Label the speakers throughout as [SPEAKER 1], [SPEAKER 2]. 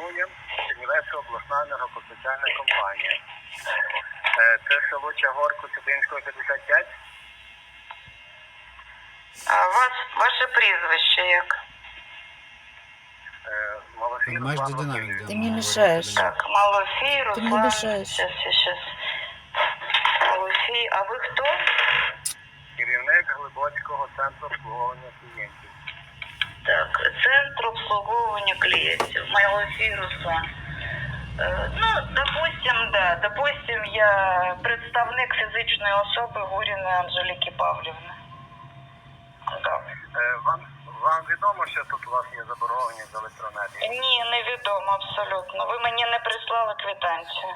[SPEAKER 1] обслуговуємо Чернівецька обласна енергопостачальна компанія. Це село Чагорку, Цибинського, 55.
[SPEAKER 2] А ваше прізвище як?
[SPEAKER 1] Малофій
[SPEAKER 3] Понимаешь,
[SPEAKER 1] Руслан
[SPEAKER 3] где динамик?
[SPEAKER 1] Васильович.
[SPEAKER 3] Да,
[SPEAKER 4] Ты мне
[SPEAKER 3] ну,
[SPEAKER 4] мешаешь.
[SPEAKER 3] да.
[SPEAKER 2] Так, Малофій, Руслан.
[SPEAKER 4] мне мешаешь.
[SPEAKER 2] Сейчас. Малофій, а ви хто?
[SPEAKER 1] Керівник Глибоцького центру обслуговування клієнтів.
[SPEAKER 2] Так, Центр обслуговування клієнтів. Малофій, Руслан. Допустим, я представник фізичної особи Гуріної Анжеліки Павлівни. Так.
[SPEAKER 1] Вам відомо, що тут у вас є заборгованість за електроенергію?
[SPEAKER 2] Ні, невідомо абсолютно. Ви мені не прислали квитанцію.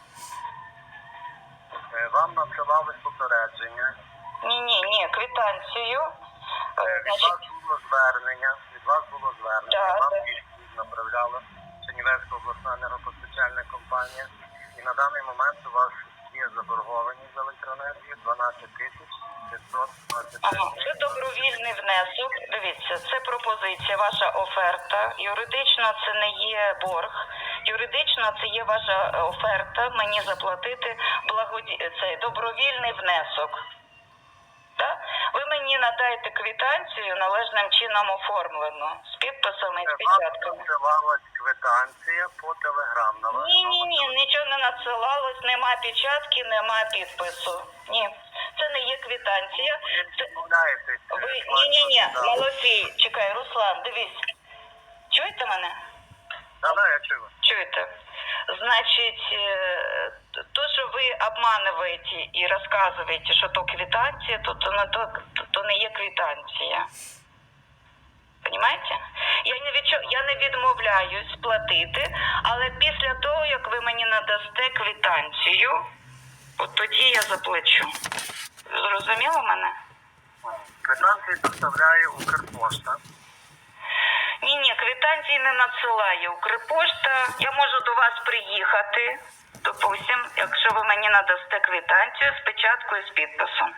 [SPEAKER 1] Вам надсилали попередження.
[SPEAKER 2] Ні, квитанцію.
[SPEAKER 1] Від вас було звернення.
[SPEAKER 2] Да,
[SPEAKER 1] Вам
[SPEAKER 2] да.
[SPEAKER 1] відповідь направляла Чернівецька обласна енергопостачальна компанія. І на даний момент у вас є заборгованість за електроенергію 12 тисяч 520
[SPEAKER 2] Ага,
[SPEAKER 1] гривень.
[SPEAKER 2] це добровільний внесок. Дивіться, це пропозиція, ваша оферта. Юридично це не є борг. Юридично це є ваша оферта мені заплатити цей добровільний внесок. Так? Ви мені надаєте квитанцію належним чином оформлену, з підписами і з
[SPEAKER 1] Вам
[SPEAKER 2] печатками.
[SPEAKER 1] надсилалась квитанція по телеграм на ваш
[SPEAKER 2] Ні, нічого не надсилалось, нема печатки, нема підпису. Ні, це не є квитанція. Це...
[SPEAKER 1] Відмовляєтесь.
[SPEAKER 2] Ні, Малофій, чекай, Руслан, дивись. Чуєте мене?
[SPEAKER 1] Да, я чую.
[SPEAKER 2] Чуєте? Значить, то, що ви обманюєте і розказуєте, що то квитанція, то не є квитанція. Понимаєте? Я не відмовляюсь платити, але після того, як ви мені надасте квитанцію, от тоді я заплачу. Зрозуміло мене?
[SPEAKER 1] Квитанції доставляє Укрпошта.
[SPEAKER 2] Ні, квитанції не надсилає Укрпошта. Я можу до вас приїхати, допустим, якщо ви мені надасте квитанцію з печаткою, з підписом.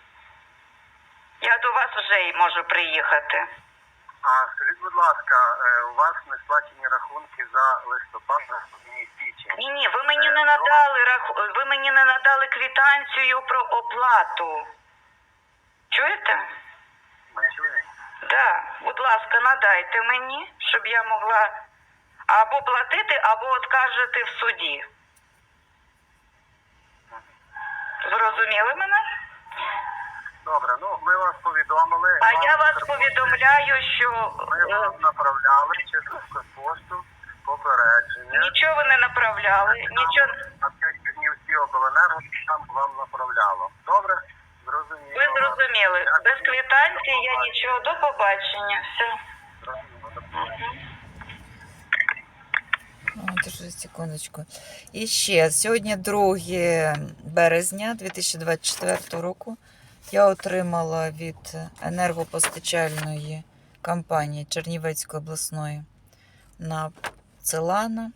[SPEAKER 2] Я до вас вже й можу приїхати.
[SPEAKER 1] А скажіть, будь ласка, у вас не сплачені рахунки за листопад і січень?
[SPEAKER 2] Ні, ви мені не надали квитанцію про оплату. Чуєте?
[SPEAKER 1] Ми чуємо.
[SPEAKER 2] Да, будь ласка, надайте мені, щоб я могла або платити, або откажете в суді. Зрозуміли мене?
[SPEAKER 1] Добре, ми вас повідомили.
[SPEAKER 2] А
[SPEAKER 1] Вам
[SPEAKER 2] я вас
[SPEAKER 1] Укрпошта-
[SPEAKER 2] повідомляю, що
[SPEAKER 1] Ми вам направляли через Укрпошту попередження.
[SPEAKER 2] нічого ви не направляли, нічого.
[SPEAKER 1] На 5 днів всі обленерго там вам направляло. Добре? Зрозуміло.
[SPEAKER 2] Ви зрозуміли. Без квитанції я нічого. До побачення. Все.
[SPEAKER 1] Зрозуміло. До побачення.
[SPEAKER 4] Держи секундочку. І ще, сьогодні 2 березня 2024 року я отримала від енергопостачальної компанії Чернівецької обласної надсилана,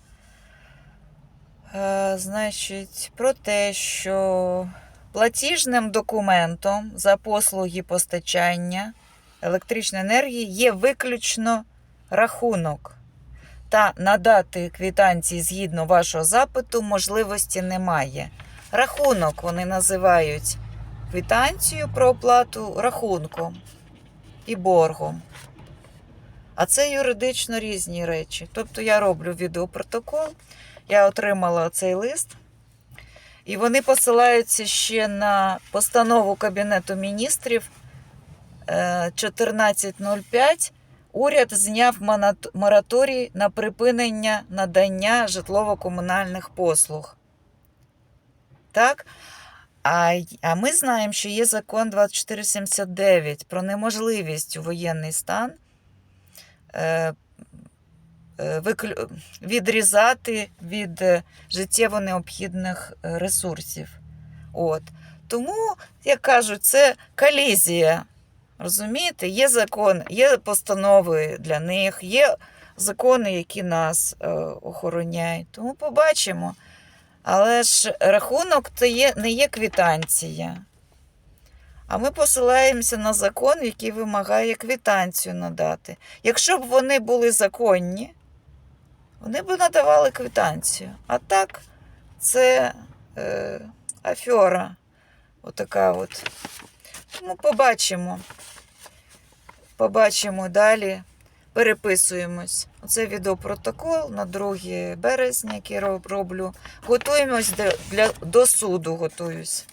[SPEAKER 4] значить, про те, що платіжним документом за послуги постачання електричної енергії є виключно рахунок. Та надати квитанції згідно вашого запиту можливості немає. Рахунок вони називають квитанцію про оплату рахунком і боргом. А це юридично різні речі. Тобто я роблю відеопротокол, я отримала цей лист, і вони посилаються ще на постанову Кабінету міністрів 1405. Уряд зняв мораторій на припинення надання житлово-комунальних послуг. Так? А ми знаємо, що є закон 2479 про неможливість у воєнний стан відрізати від життєво необхідних ресурсів. Тому, як кажуть, це колізія. Розумієте, є закон, є постанови для них, є закони, які нас охороняють. Тому побачимо. Але ж рахунок це не є квитанція. А ми посилаємося на закон, який вимагає квитанцію надати. Якщо б вони були законні, вони б надавали квитанцію. А так, це афера. Отака от. Тому побачимо. Побачимо далі. Переписуємось. Оце відеопротокол на 2 березня, який роблю. Готуємось до суду. Готуюсь.